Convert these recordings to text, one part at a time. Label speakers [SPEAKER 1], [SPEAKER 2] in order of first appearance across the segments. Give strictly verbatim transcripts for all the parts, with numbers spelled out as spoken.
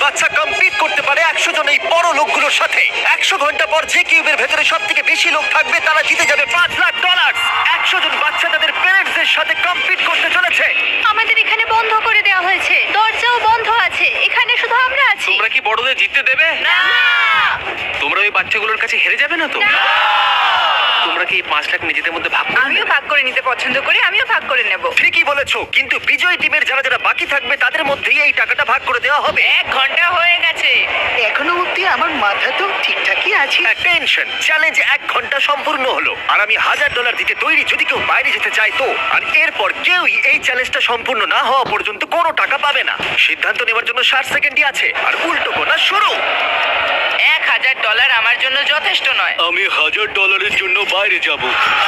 [SPEAKER 1] বাচ্চা কম্পিট করতে পারে একশো জন এই বড় লোকগুলোর সাথে। একশো ঘন্টা পর যে কিউবের ভেতরে সব থেকে বেশি লোক থাকবে তারা জিতে যাবে পাঁচ লাখ ডলার। একশো জন বাচ্চা তাদের প্যারেন্টসদের সাথে কম্পিট করতে চলেছে।
[SPEAKER 2] আমাদের এখানে বন্ধ করে দেওয়া হয়েছে, দরজাও বন্ধ আছে, এখানে শুধু আমরা আছি।
[SPEAKER 3] তোমরা কি বড়দের জিততে দেবে?
[SPEAKER 2] না
[SPEAKER 3] তোমরা ওই বাচ্চাগুলোর কাছে হেরে যাবে না তো? তোমরা কি এই পাঁচ লাখ নিজেদের মধ্যে ভাগ করে
[SPEAKER 2] আমিও
[SPEAKER 3] নেবে?
[SPEAKER 2] ভাগ করে নিতে পছন্দ করি, আমিও ভাগ করে নেব।
[SPEAKER 1] ঠিকই বলেছো, কিন্তু বিজয়ী টিমের যারা যারা বাকি থাকবে তাদের মধ্যেই এই টাকাটা ভাগ করে দেওয়া হবে।
[SPEAKER 2] এক ঘন্টা হয়ে গেছে।
[SPEAKER 4] এখনো অব্দি আমার মাথা তো ঠিকঠাকই আছে।
[SPEAKER 1] টেনশন চ্যালেঞ্জ এক ঘন্টা সম্পূর্ণ হলো আর আমি হাজার ডলার দিতে তৈরি যদি কেউ বাইরে যেতে চায় তো। আর এরপর কেউই এই চ্যালেঞ্জটা সম্পূর্ণ না হওয়া পর্যন্ত কোনো টাকা পাবে না। সিদ্ধান্ত নেওয়ার জন্য ষাট সেকেন্ডই আছে আর উল্টো গোনা শুরু।
[SPEAKER 2] এক হাজার ডলার আমার জন্য যথেষ্ট নয়।
[SPEAKER 3] আমি হাজার ডলারের জন্য বাইরে যাব।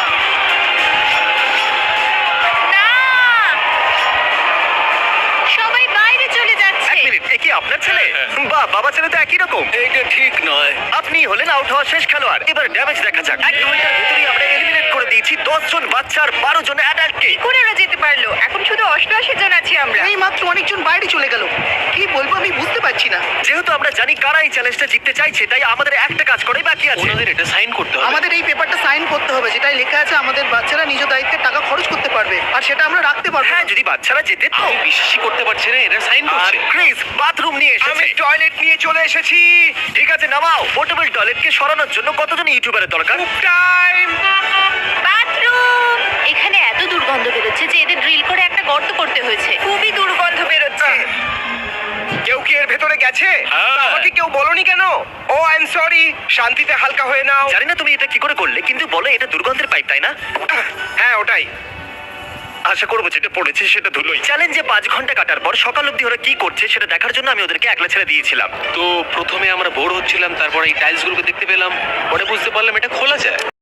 [SPEAKER 2] না, সবাই বাইরে চলে
[SPEAKER 1] এক
[SPEAKER 2] যাচ্ছে।
[SPEAKER 1] মিনিট, এ কি আপনার ছেলে? বাহ, বাবা ছেলে তো একই রকম।
[SPEAKER 3] এটা ঠিক নয়।
[SPEAKER 1] আপনি হলেন আউট হওয়া শেষ খেলোয়াড়। এবার ড্যামেজ দেখা যাক। এক ঘন্টার ভেতরেই আমরা এলিমিনেট করে দিয়েছি দশ জন বাচ্চা আর বারো জন অ্যাডাল্টকে।
[SPEAKER 2] করে ওরা যেতে পারলো? এখন শুধু অষ্টআশি জন আছি আমরা।
[SPEAKER 4] এই মাত্র অনেকজন বাইরে চলে গেল। কি বলবো আমি বুঝতে পারছি না।
[SPEAKER 1] যেহেতু আমরা জানি কারা এই চ্যালেঞ্জটা জিততে চাইছে, তাই আমাদের একটা কাজ করেই বাকি আছে।
[SPEAKER 3] ওনাদের এটা সাইন করতে হবে।
[SPEAKER 4] আমাদের এই পেপারটা সাইন করতে হবে, যেটাই লেখা আছে আমাদের বাচ্চারা নিজ দায়িত্বে টাকা খরচ করতে পারবে, আর সেটা আমরা রাখতে পারবো
[SPEAKER 1] হ্যাঁ,
[SPEAKER 4] না।
[SPEAKER 1] যদি বাচ্চারা যেতে তো।
[SPEAKER 3] আমি বিশ্বাসই করতে পারছি না এরা সাইন
[SPEAKER 1] আর
[SPEAKER 3] করছে।
[SPEAKER 1] ক্রিস বাথরুম নিয়ে এসেছে।
[SPEAKER 3] টয়লেট নিয়ে চলে এসেছি।
[SPEAKER 1] ঠিক আছে, নামাও। পোর্টেবল টয়লেটকে সরানোর জন্য কতজন ইউটিউবারের দরকার?
[SPEAKER 3] টাইম।
[SPEAKER 2] বাথরুম। এখানে এত দুর্গন্ধ বেরোচ্ছে যে এদের ড্রিল করে একটা গর্ত করতে হয়েছে। খুবই দুর্গন্ধ বেরোচ্ছে।
[SPEAKER 3] কেউ কি এর ভেতরে গেছে?
[SPEAKER 1] হ্যাঁ।
[SPEAKER 3] আমাকে কেউ বলনি কেন? Oh I am sorry. শান্তিতে হালকা হয়ে নাও।
[SPEAKER 1] জানি না তুমি এটা কি করে করলে, কিন্তু বলো এটা দুর্গন্ধের পাইপ, তাই না?
[SPEAKER 3] হ্যাঁ ওটাই।
[SPEAKER 1] আশা করবো যেটা পড়েছে সেটা ধুলোই। চ্যালেঞ্জে পাঁচ ঘন্টা কাটার পর সকাল অবধি ওরা কি করছে সেটা দেখার জন্য আমি ওদেরকে একলা ছেড়ে দিয়েছিলাম।
[SPEAKER 3] তো প্রথমে আমরা বোর হচ্ছিলাম, তারপর এই টাইলস গুলোকে দেখতে পেলাম, পরে বুঝতে পারলাম এটা খোলা যায়।